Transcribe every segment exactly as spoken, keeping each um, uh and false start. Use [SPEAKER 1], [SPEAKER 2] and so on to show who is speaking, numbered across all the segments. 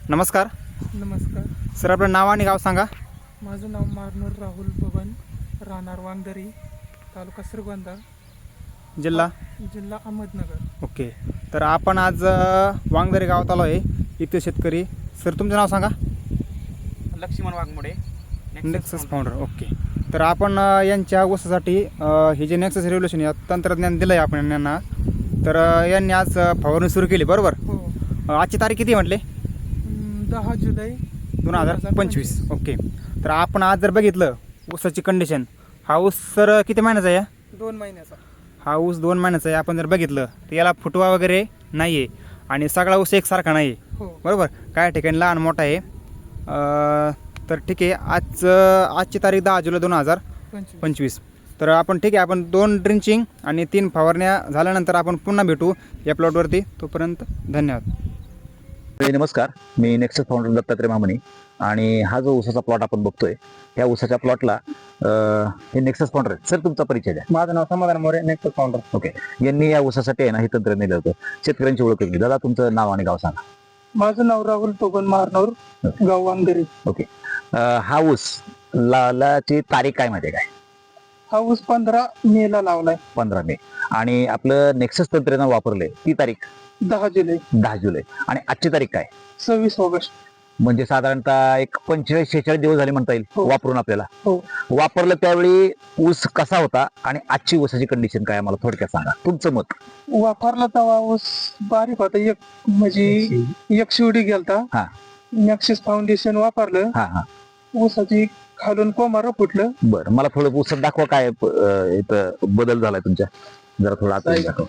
[SPEAKER 1] नमस्कार
[SPEAKER 2] नमस्कार.
[SPEAKER 1] सर, आपलं नाव आणि गाव सांगा.
[SPEAKER 2] माझं नाव मारनूर राहुल बबन, राहणार वांगदरी, तालुका श्रीगोंदा,
[SPEAKER 1] जिल्हा
[SPEAKER 2] जिल्हा अहमदनगर.
[SPEAKER 1] ओके. तर आपण आज अ, वांगदरी गावात आलो आहे. इथे शेतकरी. सर, तुमचं नाव सांगा.
[SPEAKER 3] Laxman Waghmode,
[SPEAKER 1] Nexus founder. Okay. तर आपण अ, यांच्या ऊसासाठी अ, हे जे नेक्सस रेव्होल्युशन या तंत्रज्ञान दिलं आहे आपण यांना, तर अ, यांनी आज अ, फवारणी सुरू केली, बरोबर?
[SPEAKER 2] हो.
[SPEAKER 1] अ, आजची तारीख किती म्हटले?
[SPEAKER 2] अं, दहा जुलै
[SPEAKER 1] दोन हजार पंचवीस. ओके. तर आपण आज जर बघितलं ऊसाची कंडिशन, हा ऊस सर किती महिन्याचा आहे?
[SPEAKER 2] दोन महिन्याचा.
[SPEAKER 1] हा ऊस दोन महिन्याचा आहे. आपण जर बघितलं तर याला फुटवा वगैरे नाही आहे आणि सगळा ऊस एकसारखा नाही आहे,
[SPEAKER 2] हो.
[SPEAKER 1] बरोबर? काय ठिकाणी लहान मोठा आहे. अ, तर ठीक आहे. आज आजची तारीख दहा जुलै दोन हजार
[SPEAKER 2] पंचवीस.
[SPEAKER 1] पंचवीस. तर आपण ठीक आहे, आपण दोन ड्रिंचिंग आणि तीन फवारण्या झाल्यानंतर आपण पुन्हा भेटू या प्लॉटवरती. तोपर्यंत धन्यवाद.
[SPEAKER 4] नमस्कार, मी नेक्सस फाउंडर दत्तात्रय मामणी आणि हा जो ऊसाचा प्लॉट आपण बघतोय, या ऊसाच्या प्लॉटला हे नेक्सस फाउंडर आहे. सर, तुमचा परिचय द्या.
[SPEAKER 3] माझं नाव समाधान मोरे, नेक्स्ट फाउंडर.
[SPEAKER 4] ओके. यांनी या ऊसासाठी आहे ना हे तंत्र नेलं होतं. शेतकऱ्यांची ओळख केली. दादा, तुमचं नाव आणि गाव सांगा.
[SPEAKER 2] माझं नाव राहुल बबन, मारनूर, गाव वांगदरी.
[SPEAKER 4] ओके. अं, हा ऊस लावल्याची तारीख काय माहिती आहे काय?
[SPEAKER 2] हा ऊस पंधरा मे ला लावलाय.
[SPEAKER 4] पंधरा मे. आणि आपलं नेक्सस तंत्रज्ञान वापरले ती तारीख
[SPEAKER 2] दहा जुलै.
[SPEAKER 4] दहा जुलै. आणि आजची तारीख काय?
[SPEAKER 2] सव्वीस ऑगस्ट.
[SPEAKER 4] म्हणजे साधारणतः एक पंचेचाळीस शेहेचाळीस दिवस झाले म्हणता येईल
[SPEAKER 2] हो.
[SPEAKER 4] वापरून आपल्याला.
[SPEAKER 2] हो.
[SPEAKER 4] वापरलं त्यावेळी ऊस कसा होता आणि आजची ऊसाची कंडिशन काय, मला थोडक्यात सांगा तुमचं मत.
[SPEAKER 2] वापरला तेव्हा ऊस बारीक होता. एक म्हणजे एक शिवडी गेलता.
[SPEAKER 4] हा.
[SPEAKER 2] नॅक्सिस फाउंडेशन वापरलं.
[SPEAKER 4] हा हा
[SPEAKER 2] ऊसाची खालून कोमार फुटलं.
[SPEAKER 4] बरं, मला थोडं ऊसात दाखवा काय अं, इथं बदल झालाय तुमच्या. जरा थोडं आत दाखवा.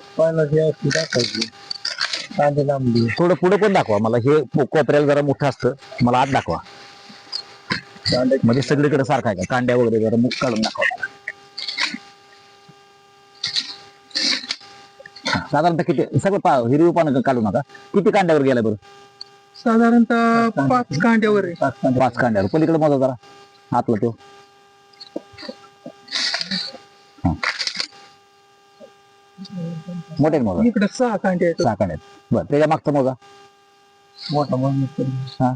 [SPEAKER 4] थोडं पुढे पण दाखवा मला. हे कोपऱ्याला जरा मोठं असतं, मला आत दाखवा. म्हणजे सगळीकडे सारखं आहे का? कांड्या वगैरे जरा मुख काढून दाखवा मला. हा, साधारणतः किती, सगळं पा हिरवी पानं काढू नका. किती कांड्यावर गेलाय बरं?
[SPEAKER 2] साधारणतः पाच कांड्यावर आहे.
[SPEAKER 4] पाच कांड्यावर. पलीकडे मोजा जरा आतला तो. मोठे मोजा.
[SPEAKER 2] इकडे सहा कांडे आहेत.
[SPEAKER 4] सहा कांड्यात. बरं, त्याच्या मागचा मोजा.
[SPEAKER 2] मोठा
[SPEAKER 4] हा.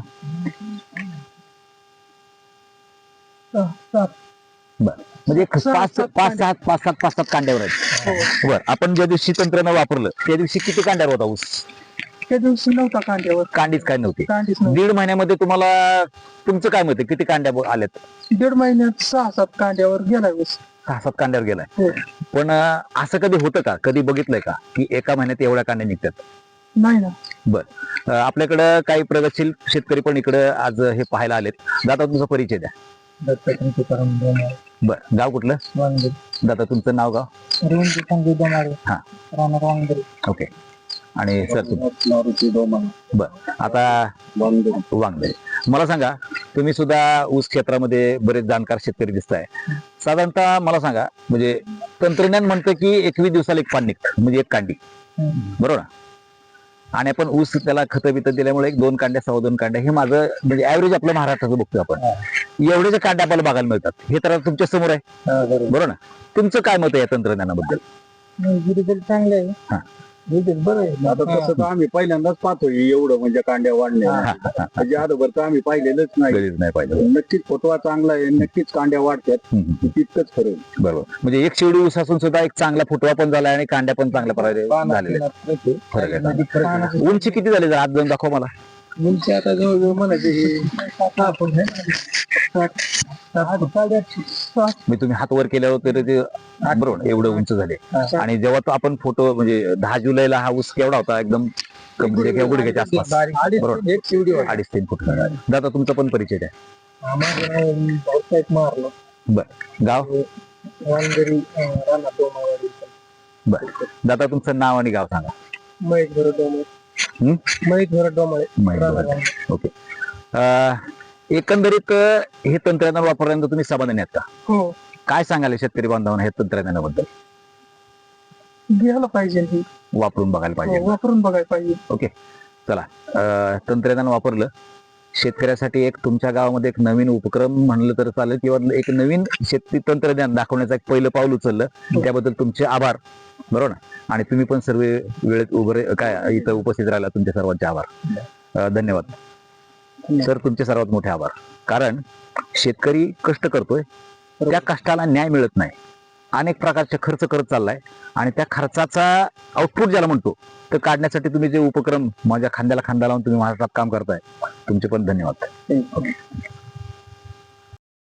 [SPEAKER 2] सहा, सात.
[SPEAKER 4] बरं, म्हणजे एक
[SPEAKER 2] सहा,
[SPEAKER 4] पाच
[SPEAKER 2] सात
[SPEAKER 4] पाच सात पाच सात पाच सात कांड्यावर आहेत. बरं, आपण ज्या दिवशी तंत्रज्ञान वापरलं त्या दिवशी किती कांड्यावर होता ऊस?
[SPEAKER 2] त्या दिवशी नव्हता कांड्यावर.
[SPEAKER 4] कांडीच काय नव्हती.
[SPEAKER 2] कांडीच नव्हती.
[SPEAKER 4] दीड महिन्यामध्ये तुम्हाला तुमचं काय मत आहे, किती कांड्या ब- आल्यात?
[SPEAKER 2] दीड महिन्यात सहा सात कांड्यावर गेला ऊस.
[SPEAKER 4] सहा सात कांड्यावर गेलाय.
[SPEAKER 2] हो.
[SPEAKER 4] पण अं, असं कधी होतं का, कधी बघितलंय का की एका महिन्यात एवढ्या कांड्या निघतात?
[SPEAKER 2] नाही ना.
[SPEAKER 4] अं, आपल्याकडं काही प्रगतशील शेतकरी पण इकडं आज हे पाहायला आलेत. दादा, तुमचा परिचय द्या. बरं, गाव कुठलं? दादा, तुमचं नाव गाव? हा.
[SPEAKER 2] राहणार वांगदरी.
[SPEAKER 4] ओके. आणि सर तुम बर आता वांगदरी. मला सांगा, तुम्ही सुद्धा ऊस क्षेत्रामध्ये बरेच जाणकार शेतकरी दिसताय. साधारणतः मला सांगा, म्हणजे तंत्रज्ञान म्हणतं की एकवीस दिवसाला एक पान निघतं, म्हणजे एक कांडी, बरोबर ना? आणि आपण ऊस त्याला खतं बितं दिल्यामुळे एक दोन कांड्या सव्वा दोन कांड्या हे माझं म्हणजे ऍव्हरेज आपलं महाराष्ट्राचं बघतोय आपण. एवढे जे कांड्या आपल्याला बघायला मिळतात हे तर तुमच्या समोर आहे, बरोबर ना? तुमचं काय मत आहे या तंत्रज्ञानाबद्दल?
[SPEAKER 2] चांगले आहे.
[SPEAKER 4] हा.
[SPEAKER 5] बरं आहे. आता तसं तर आम्ही पहिल्यांदाच पाहतोय एवढं म्हणजे कांड्या वाढल्या. म्हणजे अगोदर तर आम्ही पाहिलेलंच नाही.
[SPEAKER 4] गरज नाही पाहिजे.
[SPEAKER 5] नक्कीच फोटवा चांगला आहे, नक्कीच कांड्या वाढतात, तितकंच खरं आहे.
[SPEAKER 4] बरोबर. म्हणजे एक शिवडी ऊस असून सुद्धा एक चांगला फुटवा पण झाला आणि कांड्या पण चांगल्या प्रकारे झालेल्या आहेत. फरक आहे. उंची किती झाली जर आज जाऊन दाखव मला.
[SPEAKER 5] उंची आता जवळजवळ म्हणायचे
[SPEAKER 4] मी तुम्ही हात वर केल्यावर तर ते बरोबर एवढं उंच झाले. आणि जेव्हा तो आपण फोटो म्हणजे दहा जुलैला हा ऊस केवढा होता, एकदम कमरे किंवा गुडघ्याच्या आसपास, बरोबर?
[SPEAKER 5] एक शिवडी
[SPEAKER 4] अडीच तीन फूट. दादा, तुमचा पण परिचय द्या.
[SPEAKER 2] मारलं.
[SPEAKER 4] बर, गाव?
[SPEAKER 2] वांगदरी, राहणार डोमावाडी.
[SPEAKER 4] बर, दादा, तुमचं नाव आणि गाव सांगा.
[SPEAKER 2] महेश भरत डोमाळे.
[SPEAKER 4] हम्म?
[SPEAKER 2] महेश भरत डोमाळे.
[SPEAKER 4] ओके. अं, एकंदरीत अं, हे तंत्रज्ञान वापरल्यानंतर तुम्ही समाधानी आहात का?
[SPEAKER 2] हो.
[SPEAKER 4] काय सांगाल शेतकरी बांधवांना हे तंत्रज्ञानाबद्दल?
[SPEAKER 2] घ्यायला पाहिजे हे.
[SPEAKER 4] वापरून बघायला
[SPEAKER 2] हो,
[SPEAKER 4] पाहिजे.
[SPEAKER 2] वापरून बघायला पाहिजे.
[SPEAKER 4] ओके, चला. अं, तंत्रज्ञान वापरलं शेतकऱ्यासाठी एक तुमच्या गावामध्ये एक नवीन उपक्रम म्हणलं तर चालेल, किंवा एक नवीन शेती तंत्रज्ञान दाखवण्याचं एक पहिलं पाऊल उचललं, त्याबद्दल तुमचे आभार, बरोबर ना? आणि तुम्ही पण सर्व वेळेत उभे काय इथं उपस्थित राहिला, तुमच्या सर्वांचे आभार. धन्यवाद. तर तुमचे सर्वात मोठे आभार. कारण शेतकरी कष्ट करतोय, त्या कष्टाला न्याय मिळत नाही, अनेक प्रकारचे खर्च करत चाललाय आणि त्या खर्चाचा आउटपुट ज्याला म्हणतो तर काढण्यासाठी तुम्ही जे उपक्रम माझ्या खांद्याला खांदा लावून तुम्ही महाराष्ट्रात काम करताय, तुमचे पण धन्यवाद.